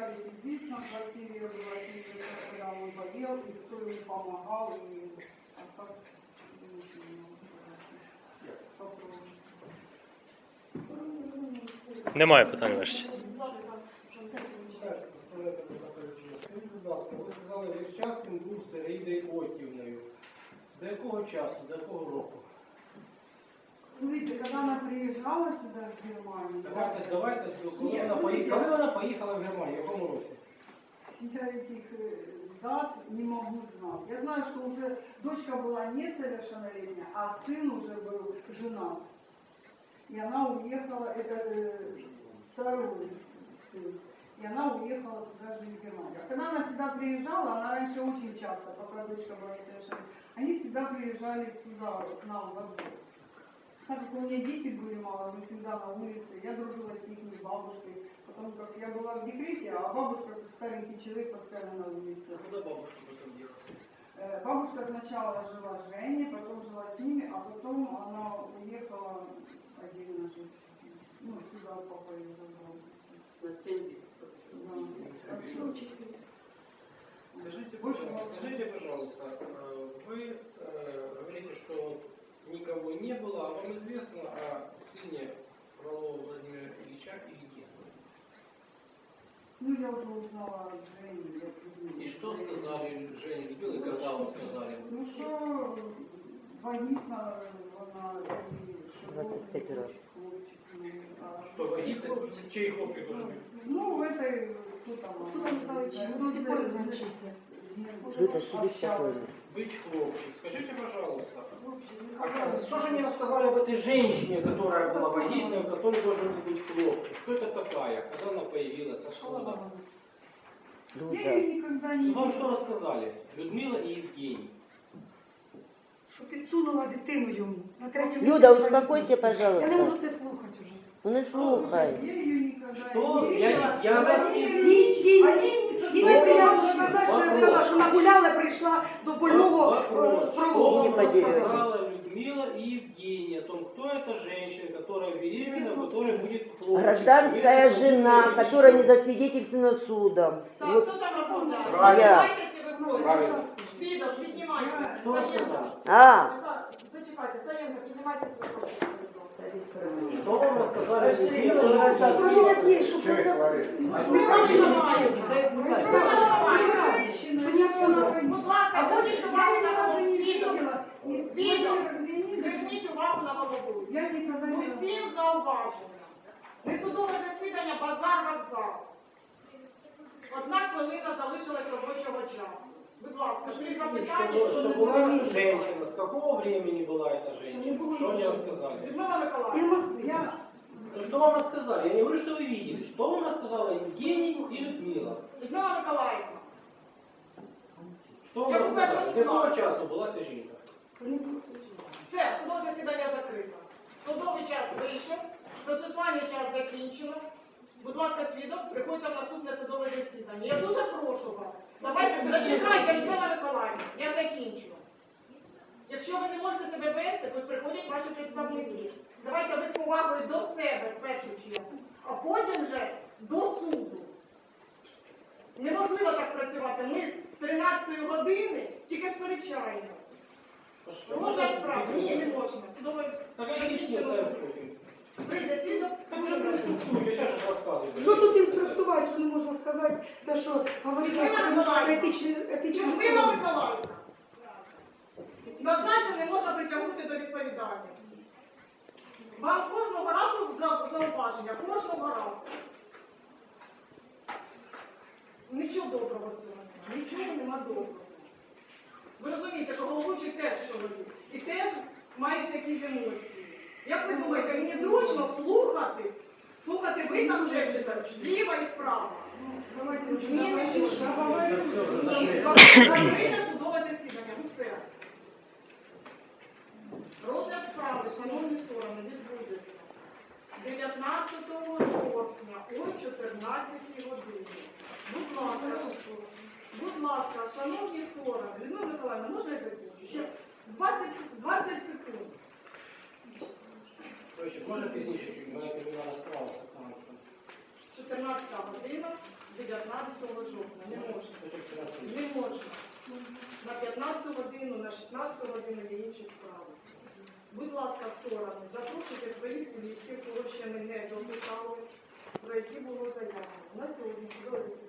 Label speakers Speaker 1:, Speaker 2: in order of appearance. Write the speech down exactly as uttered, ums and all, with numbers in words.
Speaker 1: приезжали здесь, на квартире, я была с ними, когда он болел, и кто ему помогал, и а так,
Speaker 2: Немає питань ваші честь.
Speaker 3: Ви сказали, весь час він був з Іриною Отівною. До якого часу, до якого року?
Speaker 1: Смотрите, когда она приезжала сюда, в Германию...
Speaker 3: Давайте, давайте, коли вона поїхала, коли вона поїхала в Германію, в якому році?
Speaker 1: Я этих дат не могу знать. Я знаю, что уже дочка была несовершеннолетняя, а сын уже был женат. И она уехала, это э, второй сын, и она уехала туда жить в Германию. А когда она сюда приезжала, она раньше очень часто, пока дочка была несовершеннолетняя, они всегда приезжали сюда, к нам в Азов. Так как у меня дети были мало, мы всегда на улице, я дружила с их бабушкой, потому как я была в декрете, а бабушка, как старенький человек, постоянно на улице.
Speaker 3: А куда бабушка потом делала?
Speaker 1: Бабушка сначала жила с Женей, потом жила с ними, а потом она уехала отдельно жить. Ну, сюда папа ее забрал.
Speaker 4: На семь
Speaker 3: Скажите, пожалуйста, скажите, пожалуйста, вы э, говорите, что никого не было, а вам известно о сыне Фролова Владимира Ильича или нет?
Speaker 1: Ну, я уже узнала от Жени. Я
Speaker 3: И что сказали Жене Людмиле, когда вам сказали?
Speaker 1: Ну, что вагитна, она и
Speaker 2: двадцать
Speaker 3: Что, вагитна? Чей хлопчик должен быть?
Speaker 1: Ну, в этой, кто там?
Speaker 5: Кто там стал чем? До сих пор значится.
Speaker 2: Вытащили спокойно.
Speaker 3: Быть хлопчик. Скажите, пожалуйста, а что же мне рассказали об этой женщине, которая была вагитной, у которой должен был быть хлопчик? Кто это такая? Когда она появилась? Откуда?
Speaker 1: Я ее никогда не...
Speaker 3: Вам что рассказали? Людмила и Евгений.
Speaker 5: Що підсунула дитину йому. На третьому
Speaker 2: Люда,
Speaker 5: місці
Speaker 2: успокойся,
Speaker 5: Я не
Speaker 2: пожалуйста.
Speaker 5: можу це слухати вже.
Speaker 2: Ну не слухай.
Speaker 1: Я ее никогда
Speaker 3: Что?
Speaker 1: не
Speaker 3: Я,
Speaker 1: видела.
Speaker 3: я вас
Speaker 1: Они
Speaker 3: не...
Speaker 5: Їй
Speaker 1: Они...
Speaker 5: не приємно сказати, що я сказала, що нагуляла, прийшла до больного
Speaker 3: Вопрос. Что
Speaker 5: пролому.
Speaker 2: Не
Speaker 3: вам
Speaker 2: поделилась.
Speaker 3: рассказала Людмила и Евгений о том, кто эта женщина, которая беременна, у которой будет хлопчик?
Speaker 2: Гражданская жена, которая не засвидетельствована судом.
Speaker 6: Так,
Speaker 2: Вот
Speaker 6: кто там рассуждает?
Speaker 3: Правильно.
Speaker 6: Давайте вы просите.
Speaker 3: Правильно.
Speaker 6: Свидов, піднімайте.
Speaker 3: Что рассказали?
Speaker 2: А,
Speaker 6: Зачекайте, Саєнко, піднімайте свою руку.
Speaker 3: Что вам рассказали Людмила и
Speaker 5: Скажи,
Speaker 3: Евгений?
Speaker 5: як є, що це...
Speaker 6: Ми гроші ламаємо. Ми ламаємо.
Speaker 5: Що не отсюда.
Speaker 6: Будь ласка, зверніть увагу на голову. Свідок. Свідок. Зверніть увагу на голову.
Speaker 1: Я никогда не...
Speaker 6: Усім зауваження. Несудове засідання, базар, вокзал. Одна хвилина залишилась робочого часу. Будь ласка, три запитання,
Speaker 3: Что,
Speaker 6: якщо
Speaker 3: что
Speaker 6: не
Speaker 3: была
Speaker 6: буде.
Speaker 3: женщина, с какого времени была эта женщина? Что они рассказали?
Speaker 6: Людмила
Speaker 5: І
Speaker 6: Миколаївна.
Speaker 5: Москві.
Speaker 1: Я...
Speaker 3: Ну, что вам рассказали? Я не говорю, что вы видели. Что вам рассказала Евгений и Людмила?
Speaker 6: Людмила Миколаївна.
Speaker 3: Что вам
Speaker 6: Я
Speaker 3: рассказали?
Speaker 6: просто
Speaker 3: С какого
Speaker 6: не знаю.
Speaker 3: часу была эта жінка?
Speaker 6: Все, судове засідання закрито. Судовий час вийшов, процесуальний час закінчено. Будь ласка, свідок, приходьте в наступне судове засідання. Я дуже прошу вас. Давайте, зачекайте, Людмила Миколаївна, я закінчу. Якщо ви не можете себе вести, то приходять ваші представники. Давайте ви з повагою до себе в першу чергу, а потім вже до суду. Неможливо так працювати. Ми з тринадцятої години тільки сперечаємося. Можна справді? Ні, не можна. Судове
Speaker 3: Так это личное сообщение.
Speaker 6: прийде свідок.
Speaker 3: Так уже проинструктую, я сейчас же рассказываю.
Speaker 5: Що тут інструктувати, що не можна сказати, те, що говорить, що етичне...
Speaker 6: Людмила Миколаївна. На жаль, що не можна притягнути до відповідальності. Вам кожного разу за- зауваження, кожного разу. Нічого доброго в цьому немає, нічого нема доброго. Ви розумієте, що головуючий теж чоловік. І теж мають якісь емоції. Як ви думаєте, мені зручно слухати, слухати ви там шепчете, зліва і справа? Ні, не зручно. Ні, закрите судове засідання, усе. Розгляд справи, шановні сторони, відбудеться дев'ятнадцятого жовтня о чотирнадцятій годині. Будь ласка, будь ласка, шановні сторони, Людмила Миколаївна, можна я закінчу? Ще двадцять, двадцять секунд.
Speaker 3: Короче, можно пізніше чуть, моя кримінальна справа з Оксаною.
Speaker 6: чотирнадцята година, дев'ятнадцятого можна, не можна. Не можна. На п'ятнадцяту годину, на шістнадцяту годину є інші справи. Будь ласка, сторони, запрошуйте своїх свідків, кого ще ми не допитали, про які було заявлено. На сьогодні судове